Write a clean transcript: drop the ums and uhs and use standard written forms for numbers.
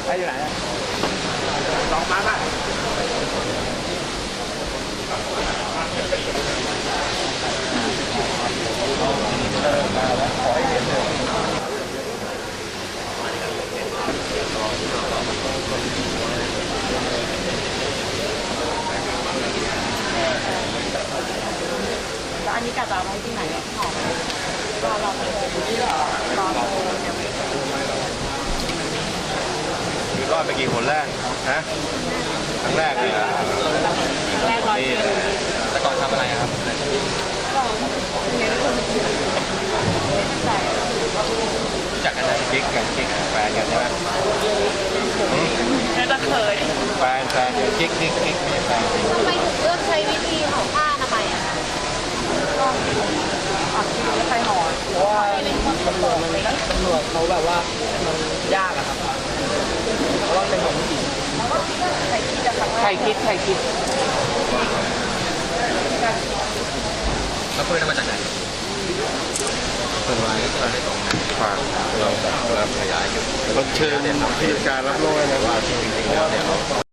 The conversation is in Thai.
ไปอยู่ไหนลองมาป่ะแล้วอันนี้กะจะเอาไว้ที่ไหนหอมรอโทรยังไม่คือรอดไปกี่คนแรกนะครั้งแรกเลยนะแรกร้อยนี่คิวแต่ก่อนทำอะไรครับก็เน้นคนใส่รู้จักกันนะกิ๊กกันกิ๊กแฟนกันใช่ไหมน่าจะเคยแฟนกิ๊กไม่ใช่แฟนทำไมถึงเลือกใช้วิธีห่อผ้าอนามัยอะคะก็อัดคิวไม่ใครหอมเพราะว่าตำรวจเขาแบบว่ามันยากอะครับเพราะว่าเป็นของผู้หญิงใส่คิดจะครั้งแรใครกคิดแล้วปืนมาจากไหนปืนไว้ฝากเราแล้วขยายอยู่แล้วเชิญที่การรับโล่นะว่าจริงๆแล้วเนี่ย